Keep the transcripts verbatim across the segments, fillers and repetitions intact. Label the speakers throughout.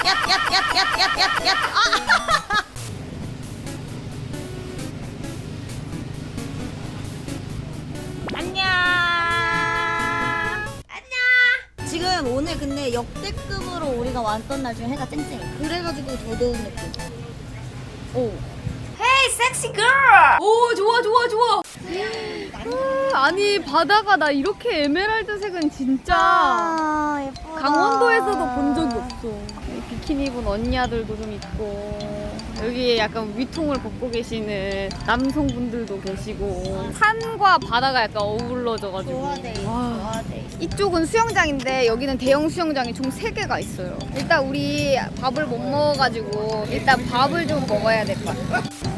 Speaker 1: 얍얍얍얍얍얍얍얍 아! 안녕. 안녕. 지금 오늘 근데 역대급으로 우리가 왔던 날 중에 해가 쨍쨍해. 그래가지고 더 더운 느낌. 오.
Speaker 2: 헤이 섹시 걸! 오 좋아 좋아 좋아. 아니 바다가 나 이렇게 에메랄드색은 진짜
Speaker 1: 아, 예쁘다.
Speaker 2: 강원도에서도 본 적이 없어. 비키니 입은 언니들도 좀 있고 여기에 약간 위통을 벗고 계시는 남성분들도 계시고 산과 바다가 약간 어우러져가지고
Speaker 1: 좋아돼.
Speaker 2: 와.
Speaker 1: 좋아돼.
Speaker 2: 이쪽은 수영장인데 여기는 대형 수영장이 총 세 개가 있어요. 일단 우리 밥을 못 먹어가지고 일단 밥을 좀 먹어야 될 것 같아.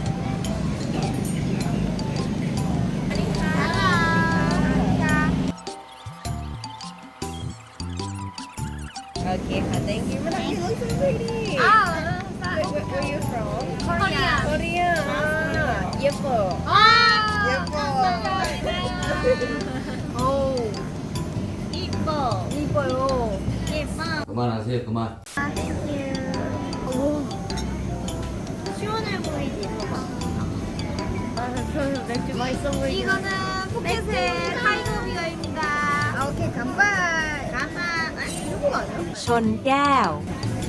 Speaker 3: Okay, thank you. You look so pretty.
Speaker 2: 아,
Speaker 3: Where, where, where are you from?
Speaker 2: 코리아.
Speaker 3: Korea. Ah, 예뻐.
Speaker 2: 아,
Speaker 3: 예뻐.
Speaker 2: 어우,
Speaker 1: 이뻐.
Speaker 2: 이뻐요.
Speaker 1: 예뻐.
Speaker 4: 그만하세요, 그만.
Speaker 1: 아, 땡큐. 시원해 보이지? 봐봐.
Speaker 2: 아, 저 맥주 맛있어 보이네.
Speaker 1: 이거는 포켓의 타이거 비어입니다.
Speaker 2: 아, 오케이, 간발.
Speaker 1: 가마. 아, 이런 거 아니야?
Speaker 3: ชนแก้ว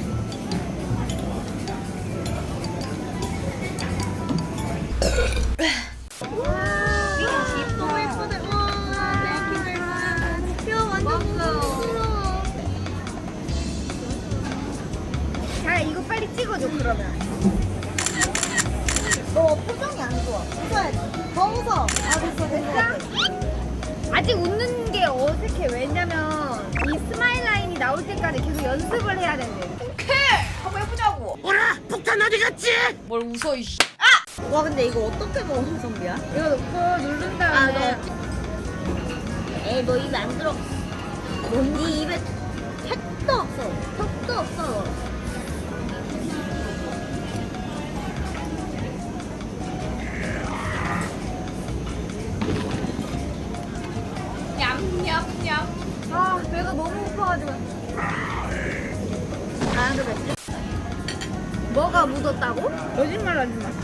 Speaker 1: 너무 예쁘네. 와, 땡큐 벨마. 야, 완전 부러워.
Speaker 2: 자, 이거 빨리 찍어줘, 그러면.
Speaker 1: 너 표정이 안 좋아. 웃어야지. 더 웃어. 아, 됐어, 됐어.
Speaker 2: 아직 웃는 게 어색해. 왜냐면 이 스마일 라인이 나올 때까지 계속 연습을 해야 된대.
Speaker 3: 오케이 한번 해보자고.
Speaker 2: 뭘 웃어, 이씨.
Speaker 1: 와, 근데 이거 어떻게 먹어, 선비야?
Speaker 2: 이거 넣고 누른
Speaker 1: 아,
Speaker 2: 다음에
Speaker 1: 너. 에이, 너 입에 안 들어. 네 입에 택도 없어. 턱도 없어.
Speaker 2: 냠냠냠. 아, 배가 너무 고파가지고.
Speaker 1: 아, 그래.
Speaker 2: 뭐가 묻었다고? 거짓말 하지 마.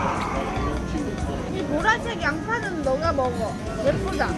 Speaker 2: 이 보라색 양파는 너가 먹어. 예쁘다.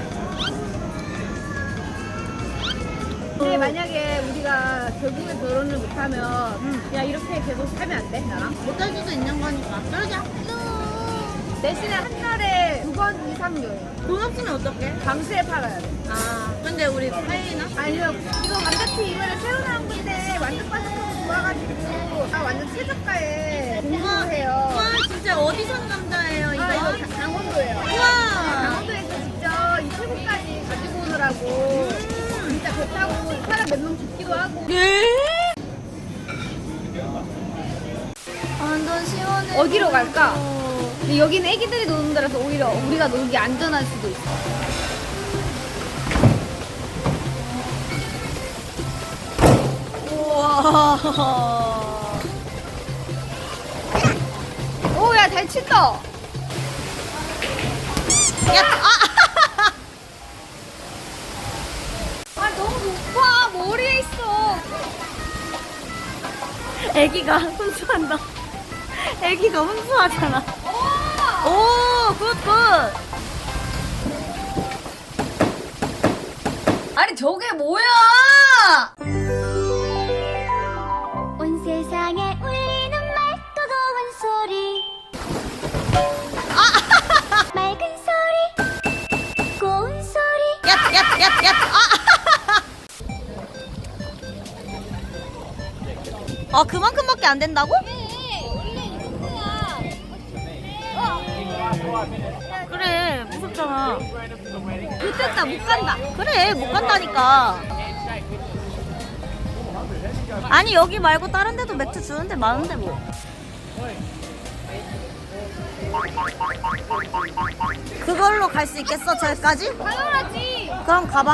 Speaker 2: 근데 만약에 우리가 결국에 결혼을 못하면 야 이렇게 계속 살면 안 돼? 나랑?
Speaker 1: 못할 수도 있는 거니까. 그러자.
Speaker 2: 대신에 한 달에 두 번 이상 여행.
Speaker 1: 돈 없으면 어떡해?
Speaker 2: 방수에 팔아야 돼.
Speaker 1: 아, 근데 우리 파이나?
Speaker 2: 아니요, 이거 완전히 이번에 새로 나온 건데 완전 바삭하고 좋아가지고 아 완전 최저가에 공부해요.
Speaker 1: 와, 진짜 어디 산 남자예요, 이거?
Speaker 2: 아 이거 가- 강원도예요.
Speaker 1: 우와!
Speaker 2: 강원도에서 직접 이 태국까지 가지고 오느라고 진짜 배 타고 사람 몇 명 죽기도 하고.
Speaker 1: 완전 시원해.
Speaker 2: 어디로 갈까? 근데 여기는 애기들이 노는 데라서 오히려 우리가 놀기 안전할 수도 있어.
Speaker 1: 우와.
Speaker 2: 오, 야, 잘 친다.
Speaker 1: 야, 아!
Speaker 2: 아, 너무 높아. 머리에 있어.
Speaker 1: 애기가 훈수한다. 애기가 훈수하잖아.
Speaker 2: 오!
Speaker 1: 오, 굿, 굿.
Speaker 2: 아니, 저게 뭐야?
Speaker 5: 온 세상에 울리는 맑고 고운 소리 맑은 소리 고운 소리
Speaker 1: 야, 야, 야, 야, 아! 아, 그만큼밖에 안 된다고? 그래, 무섭잖아.
Speaker 2: 못됐다, 못 간다.
Speaker 1: 그래, 못 간다니까. 아니, 여기 말고 다른 데도 맥주 주는데 많은데 뭐. 그걸로 갈 수 있겠어, 저기까지?
Speaker 2: 당연하지.
Speaker 1: 그럼 가봐.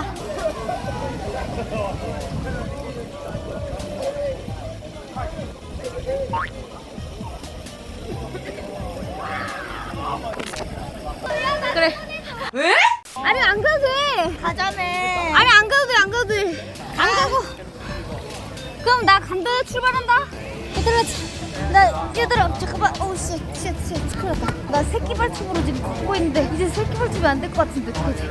Speaker 2: 그래.
Speaker 1: 왜?
Speaker 2: 아니, 안 가도 돼.
Speaker 1: 가자네.
Speaker 2: 아니, 안 가도 돼, 안 가도 돼.
Speaker 1: 안 가고.
Speaker 2: 그럼 나 간다. 출발한다.
Speaker 1: 얘들아, 자, 나 얘들아 잠깐만. 어우 씨, 씨, 씨, 큰일 났다. 나 새끼 발춤으로 지금 걷고 있는데 이제 새끼 발춤이 안 될 것 같은데 어떡하지?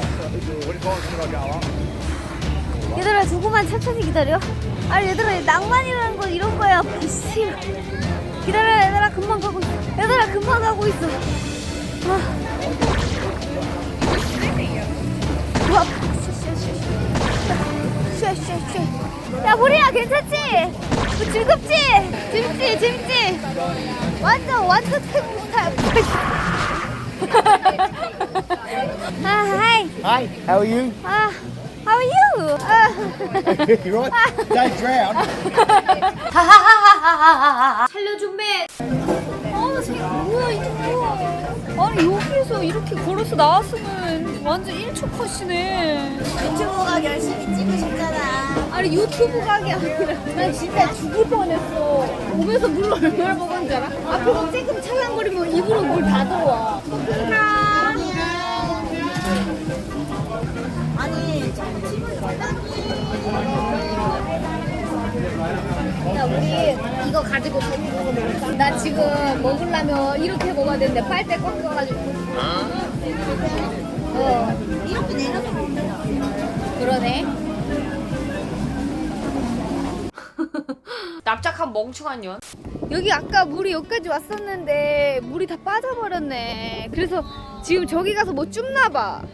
Speaker 1: 얘들아 조금만 천천히 기다려. 아 얘들아 낭만이라는 건 이런 거야. 씨. 기다려 얘들아 금방 가고 있어. 얘들아 금방 가고 있어. 아. 와, 쉐쉐쉐. 야 보리야 괜찮지? 뭐 즐겁지? 재밌지 재밌지? 완전 완전 태국 스타일. 아 하이.
Speaker 4: Hi, how are you?
Speaker 1: 아 how are you? 아.
Speaker 4: You right? Don't drown.
Speaker 2: 살려준매. 아, 쟤 뭐야 이게 뭐야? 아니 여기에서 이렇게 걸어서 나왔으면 완전 일 초 컷이네.
Speaker 1: 유튜브가 열심히 찍고 싶잖아.
Speaker 2: 아니 유튜브 각이 아니라 난 진짜 죽을 뻔했어. 몸에서 물 얼마나 먹었는지 알아? 앞으로 조금 찰랑거리면 입으로 물 다 들어와.
Speaker 1: 아니
Speaker 2: 야 우리 이거 가지고 저기 가서 먹을까? 나 지금 먹으려면 이렇게 먹어야 되는데 빨대 꽉 껴가지고. 어
Speaker 1: 이렇게 내려서 먹잖아.
Speaker 2: 그러네. 납작한 멍청한 년. 여기 아까 물이 여기까지 왔었는데 물이 다 빠져버렸네. 그래서 지금 저기 가서 뭐 줍나 봐.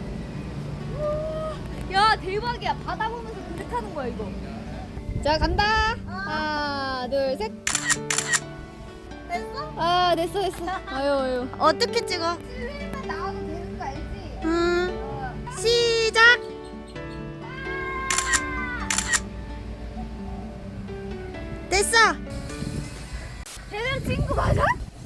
Speaker 2: 야 대박이야. 바다 보면서 그래 타는 거야 이거. 자 간다. 하나 둘 셋.
Speaker 1: 됐어?
Speaker 2: 아 됐어 됐어. 아유 아유.
Speaker 1: 어떻게 찍어?
Speaker 2: 슬림만 나와도 되는 거 알지?
Speaker 1: 음 시작. 됐어.
Speaker 2: 제대로 찍은 거 맞아?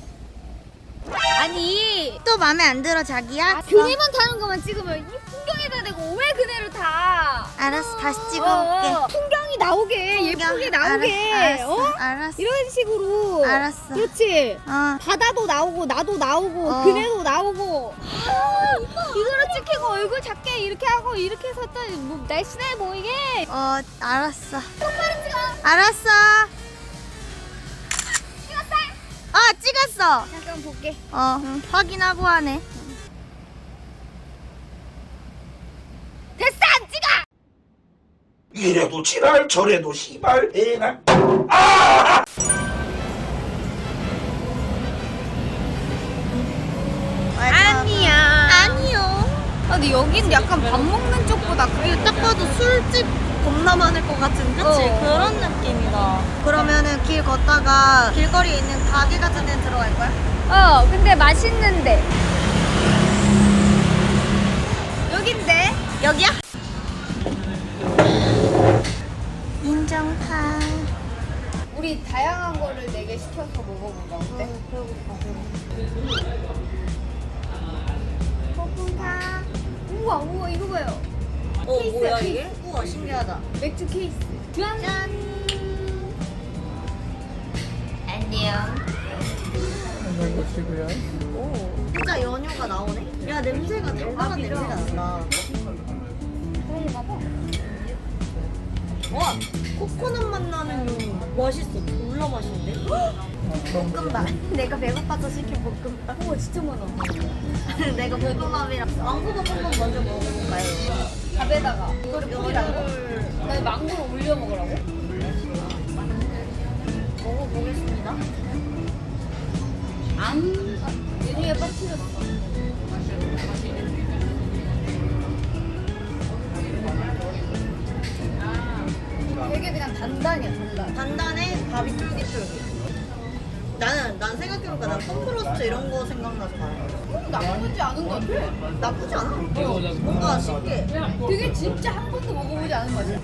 Speaker 2: 아니
Speaker 1: 또 마음에 안 들어 자기야?
Speaker 2: 그네만 타는 것만 찍으면 이 풍경에다 대고 왜 그네를 타?
Speaker 1: 알았어 다시
Speaker 2: 어,
Speaker 1: 찍어볼게.
Speaker 2: 어. 풍경이 나오게 예쁘게 나오게.
Speaker 1: 알았어,
Speaker 2: 어?
Speaker 1: 알았어.
Speaker 2: 이런 식으로.
Speaker 1: 알았어.
Speaker 2: 그렇지.
Speaker 1: 어.
Speaker 2: 바다도 나오고 나도 나오고
Speaker 1: 어.
Speaker 2: 그네도 나오고. 아, 이거로 찍히고 얼굴 작게 이렇게 하고 이렇게 해서 또뭐 날씬해 보이게.
Speaker 1: 어 알았어.
Speaker 2: 똑바로 찍어.
Speaker 1: 알았어.
Speaker 2: 찍었어.
Speaker 1: 어 찍었어.
Speaker 2: 잠깐 볼게.
Speaker 1: 어 확인하고 하네.
Speaker 2: 됐어 안 찍어.
Speaker 6: 이래도 지랄 저래도 시발 애나
Speaker 2: 아니야.
Speaker 1: 아니요.
Speaker 2: 아, 근데 여긴 약간 밥 먹는 쪽보다 그게
Speaker 1: 딱 봐도 술집 겁나 많을 것 같은 그치?
Speaker 2: 어.
Speaker 1: 그런 느낌이다. 그러면은 길 걷다가 길거리에 있는 가게 같은 데 들어갈 거야?
Speaker 2: 어 근데 맛있는데 여긴데.
Speaker 1: 여기야? 인정파.
Speaker 2: 우리 다양한 거를 네 개 시켜서 먹어보자. 어때?
Speaker 1: 고픈파.
Speaker 2: 우와 우와 이거 봐요.
Speaker 1: 어
Speaker 2: 케이스야,
Speaker 1: 뭐야
Speaker 2: 케이스.
Speaker 1: 이게? 우와 신기하다.
Speaker 2: 맥주 케이스. 짠.
Speaker 1: 짠. 안녕. 오 진짜 연유가 나오네. 야 냄새가 달달한 냄새가 난다.
Speaker 2: 그런가 봐.
Speaker 1: 와 코코넛 맛 나는 요 맛있어. 졸라 맛있는데? 볶음밥. 내가 배고파서 시킨 볶음밥.
Speaker 2: 우와 진짜 많아.
Speaker 1: 내가 볶음밥이랑 망고 볶음밥 먼저 먹어볼까요?
Speaker 2: 밥에다가 이거를 뿌리라고? 나 망고를 올려 먹으라고?
Speaker 1: 먹어보겠습니다.
Speaker 2: 안. 메뉴에 빠뜨렸어. 되게 그냥 단단이야 단단.
Speaker 1: 단단해 밥이 쫄깃쫄깃. 나는 난 생각해보니까 난 컴프로스트 이런 거 생각나서 봐요.
Speaker 2: 음, 나쁘지 않은 것 같아.
Speaker 1: 나쁘지 않아. 뭔가 신기해.
Speaker 2: 되게 진짜 한 번도 먹어보지 않은 맛이야.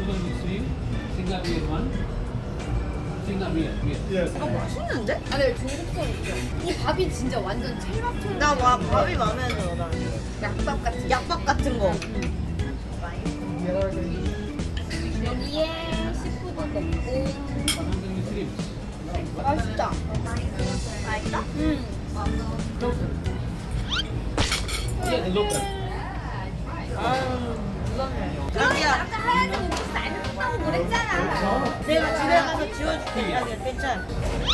Speaker 1: 아 맛있는데?
Speaker 2: 아, 네, 중국성 있죠. 이 밥이 진짜 완전 찰밥처럼.
Speaker 1: 나 와, 밥이 마음에 들어. 나.
Speaker 2: 약밥 같은.
Speaker 1: 약밥 같은 거.
Speaker 2: 여기에 씨푸드 넣고. 맛있다.
Speaker 1: 맛있다?
Speaker 2: 음.
Speaker 1: 자기야.
Speaker 2: 아까 하얀색 음식 안 먹다고 그랬잖아.
Speaker 3: 내가 집에 가서 지워줄게. 야, 괜찮아.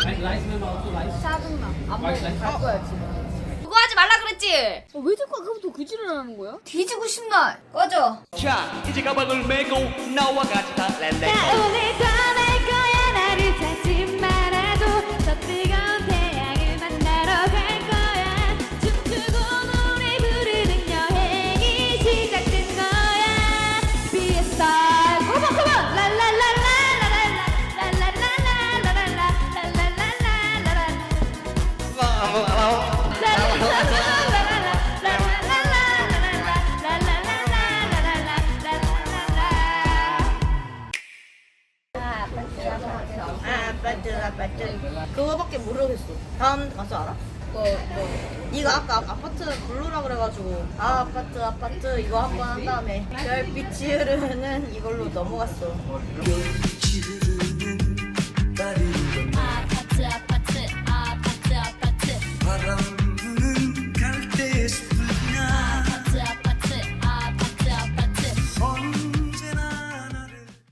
Speaker 2: 짜증나. 안 먹어. 갈 거야 지금. 그거 하지 말라 그랬지? 어, 왜 자꾸 아까부터 그 지랄을 하는 거야?
Speaker 1: 뒤지고 싶나? 꺼져.
Speaker 7: 자, 이제 가방을 메고 나와 같이 달래.
Speaker 5: 오늘 떠날 거야 나를 찾지 말아도 저 뜨거운 태양을 만나러 갈 거야 춤추고 노래 부르는 여행이 시작된 거야 Be a star Come on come on La la la la la la la la la la la la la la la la la
Speaker 3: 아, 아파트, 아파트. 그거밖에 모르겠어. 다음 가수 알아? 뭐, 뭐. 네가 아까 아파트 부르라 그래가지고 아, 아파트, 아파트 이거 한 번 한 다음에 별빛이 흐르는 이걸로 넘어갔어.
Speaker 6: 별빛이 흐르는